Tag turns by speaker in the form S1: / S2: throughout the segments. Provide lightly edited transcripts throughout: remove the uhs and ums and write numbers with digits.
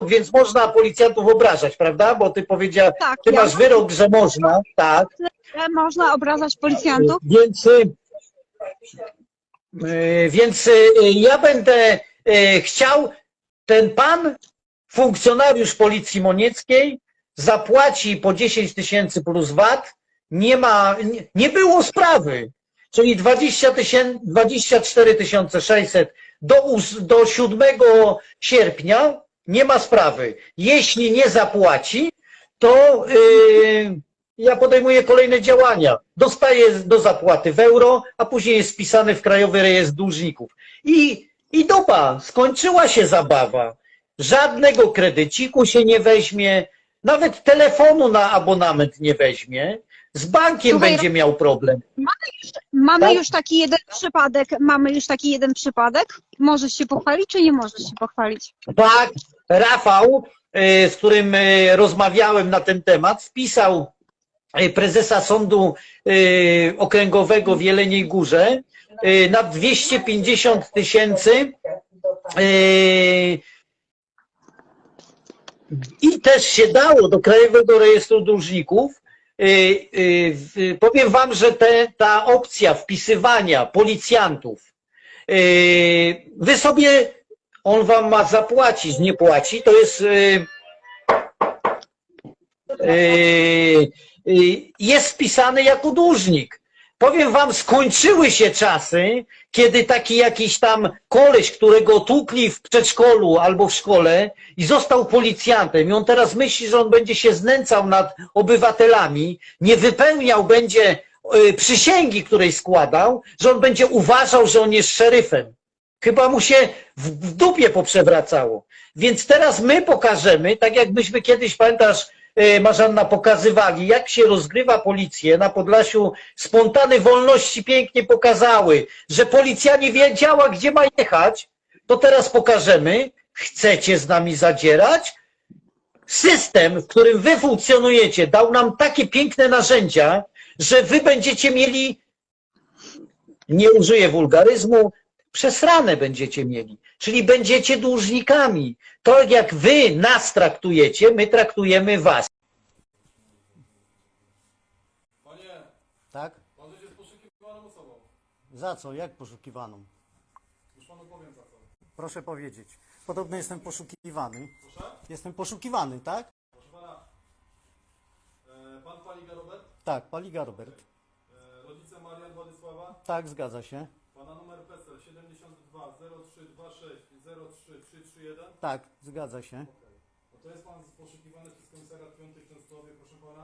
S1: więc można policjantów obrażać, prawda? Bo ty powiedział,
S2: Tak,
S1: ty
S2: ja
S1: masz wyrok, że można, tak.
S2: można obrażać policjantów.
S1: Więc ja będę chciał, ten pan, funkcjonariusz Policji Monieckiej, zapłaci po 10 000 plus VAT, nie było sprawy, czyli 24 600 do 7 sierpnia nie ma sprawy. Jeśli nie zapłaci, to ja podejmuję kolejne działania. Dostaję do zapłaty w euro, a później jest wpisany w Krajowy Rejestr Dłużników. I dopa, skończyła się zabawa. Żadnego kredyciku się nie weźmie, nawet telefonu na abonament nie weźmie. Z bankiem
S2: Słuchaj,
S1: będzie miał problem.
S2: Mamy
S1: Tak?
S2: już taki jeden przypadek. Możesz się pochwalić, czy nie możesz się pochwalić?
S1: Tak, Rafał, z którym rozmawiałem na ten temat, wpisał prezesa Sądu Okręgowego w Jeleniej Górze na 250 000 i też się dało do Krajowego Rejestru Dłużników. Powiem wam, że ta opcja wpisywania policjantów, wy sobie, on wam ma zapłacić, nie płaci, to jest jest wpisany jako dłużnik. Powiem wam, skończyły się czasy, kiedy taki jakiś tam koleś, którego tłukli w przedszkolu albo w szkole i został policjantem i on teraz myśli, że on będzie się znęcał nad obywatelami, nie wypełniał będzie przysięgi, której składał, że on będzie uważał, że on jest szeryfem. Chyba mu się w dupie poprzewracało. Więc teraz my pokażemy, tak jak myśmy kiedyś, pamiętasz, Marzanna, pokazywali, jak się rozgrywa policję na Podlasiu. Spontany wolności pięknie pokazały, że policja nie wiedziała, gdzie ma jechać. To teraz pokażemy. Chcecie z nami zadzierać? System, w którym wy funkcjonujecie, dał nam takie piękne narzędzia, że wy będziecie mieli, nie użyję wulgaryzmu, przesrane będziecie mieli. Czyli będziecie dłużnikami. To jak wy nas traktujecie, my traktujemy was.
S3: Panie,
S4: Tak?
S3: pan jest poszukiwaną osobą.
S4: Za co? Jak poszukiwaną?
S3: Już panu powiem za co.
S4: Proszę powiedzieć. Podobno jestem poszukiwany.
S3: Proszę?
S4: Jestem poszukiwany, tak?
S3: Proszę pana. Pan Paliga Robert?
S4: Tak, Paliga Robert.
S3: Rodzice Marian Władysława?
S4: Tak, zgadza się.
S3: Pana numer PESEL 72 0326 03331?
S4: Tak, zgadza się.
S3: Okay. No to jest pan poszukiwany przez komisariat 5 w Częstochowie, proszę pana.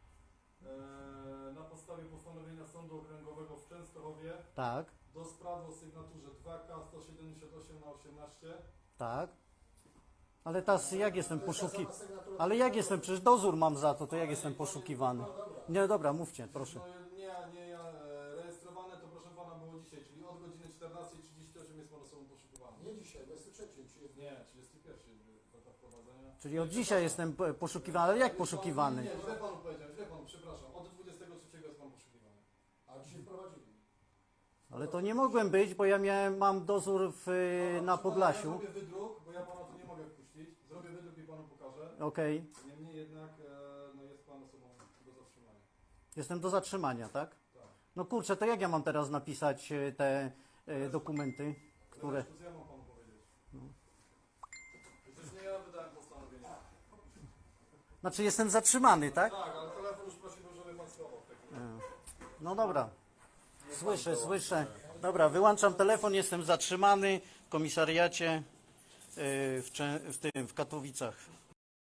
S3: Na podstawie postanowienia Sądu Okręgowego w Częstochowie
S4: Tak,
S3: do sprawy o sygnaturze 2K 178 na 18.
S4: tak. Ale teraz jak jestem Ale jak jestem? Przecież dozór mam za to, to jak jestem poszukiwany? Nie, dobra, mówcie, proszę.
S3: No nie, rejestrowane to proszę pana było dzisiaj, czyli od godziny 14:38 jest pan osobą poszukiwaną. Nie dzisiaj, 23, nie, 31 data wprowadzenia.
S4: Czyli od dzisiaj jestem poszukiwany, ale jak poszukiwany?
S3: Nie, źle panu powiedziałem, przepraszam, od 23 jest pan poszukiwany. A dzisiaj wprowadzili.
S4: Ale to nie mogłem być, bo ja mam dozór na Podlasiu.
S3: Ja zrobię wydruk, bo ja pana tu nie mogę wpuścić. Zrobię wydruk i panu pokażę.
S4: Okej.
S3: Niemniej jednak no jest pan osobą do zatrzymania.
S4: Jestem do zatrzymania, tak?
S3: Tak.
S4: No kurczę, to jak ja mam teraz napisać te dokumenty, które...
S3: Co ja mam panu powiedzieć? Przecież nie ja wydałem postanowienie.
S4: Znaczy jestem zatrzymany, tak?
S3: Tak, ale telefon już prosiłbym, żeby pan schował w tej chwili.
S4: No dobra. Słyszę. Dobra, wyłączam telefon, jestem zatrzymany w komisariacie w Katowicach.